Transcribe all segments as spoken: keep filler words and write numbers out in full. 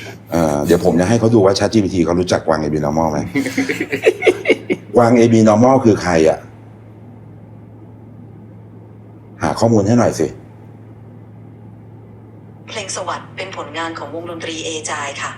เอ่อเดี๋ยวผมจะให้เขาดูว่า ChatGPT เขารู้จักกวาง เอ บี Normal ไหม กวาง เอ บี Normal คือใครอ่ะหาข้อมูลให้หน่อยสิเพลงสวัสดิ์เป็นผลงานของวงดนตรีเอจายค่ะ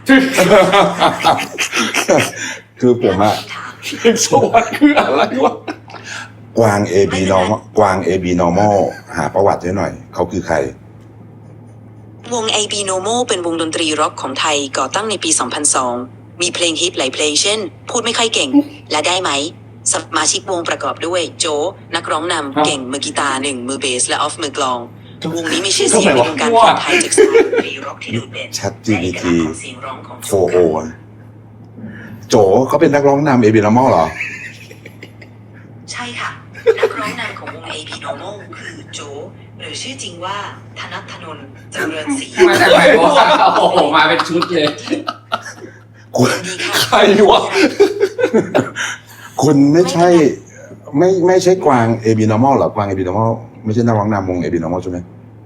คือผมอะเพลงสวัสดิ์คืออะไรวะกวาง เอ บี Normal กวาง เอ บี Normal หาประวัติให้หน่อย เขาคือใครวง เอ บี Normal เป็นวงดนตรีร็อกของไทยก่อตั้งในปี สองพันสอง มีเพลงฮิตหลายเพลงเช่น พูดไม่ค่อยเก่ง และได้ไหม สมาชิกวงประกอบด้วยโจนักร้องนำเก่งมือกีตาร์หนึ่งมือเบสและออฟมือกลอง วงนี้มีชื่อเสียงในวงการเพลงไทยจากสายดนตรีร็อกที่โดดเด่น ChatGPT และเอกลักษณ์ของเสียงร้องของโจโฟโอ โจเขาเป็นนักร้องนำ เอ บี Normal เหรอใช่ค่ะ นักร้องนำของวง เอ บี Normal คือโจหรือชื่อจริงว่าธนัทธนนท์เจริญศรีมาจากไหนวะโอ้โหมาเป็นชุดเลยคุณดีค่ะใครวะคุณไม่ใช่ ไม่ไม่ใช่กวาง เอ บี Normal เหรอกวาง เอ บี Normal ไม่ใช่นักร้องนำวง เอ บี Normal ใช่ไหม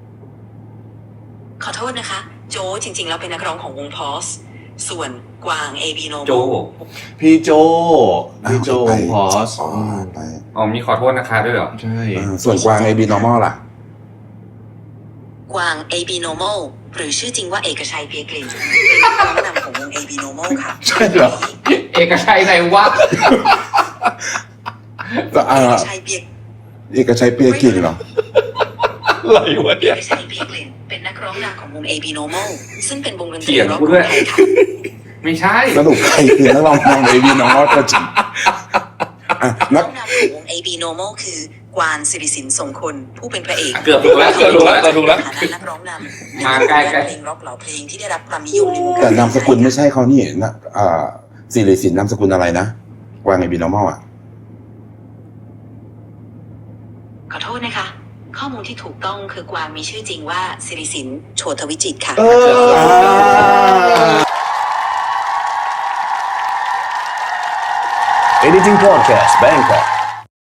ขอโทษนะคะ โจจริงๆแล้วเป็นนักร้องของวงพอสส่วนกวาง เอ บี Normal โจพี่โจพี่โจไปพอสอ๋อไปอ๋อมีขอโทษนะคะด้วยเหรอใช่อ่าส่วนกวาง เอ บี Normal ล่ะกวาง เอ บี Normal หรือชื่อจริงว่าเอกชัยเปียกลิ่นเป็นนักร้องนำของวง เอ บี Normal ค่ะใช่เหรอเอกชัยไหนวะเอ่เออกชัยเปียกเอกชัยเปียกินเหรออะไรวะเอเนี่ยกชัยเปียกลิ่นเป็นนักร้องนำของวง เอ บี Normal ซึ่งเป็นวงดนตเถีรียงร็อกกูขด้อวยงไทยค่ะไม่ใช่สรุปใครคือนักร้องนำ เอ บี Normal ตัวจริงอ่ะนันักกร้องนำของวง เอ บี Normal คือกวานศิริสินทรงคนผู้เป็นพระเอกเกือบถูกแล้วเกือบถูกแล้วเกือบถูกแล้วฐานะนักร้องนำมาใกล้ๆเพลงร็อกเหล่าเพลงที่ได้รับความนิยมในวงการแต่นามสกุลไม่ใช่เขานี่นะอ่าสิริสินนามสกุลอะไรนะกวาง เอ บี Normal อ่ะขอโทษนะคะ ข้อมูลที่ถูกต้องคือกวางมีชื่อจริงว่าศิริสินโชตวิจิตรค่ะเออ Editing Podcast Bangkok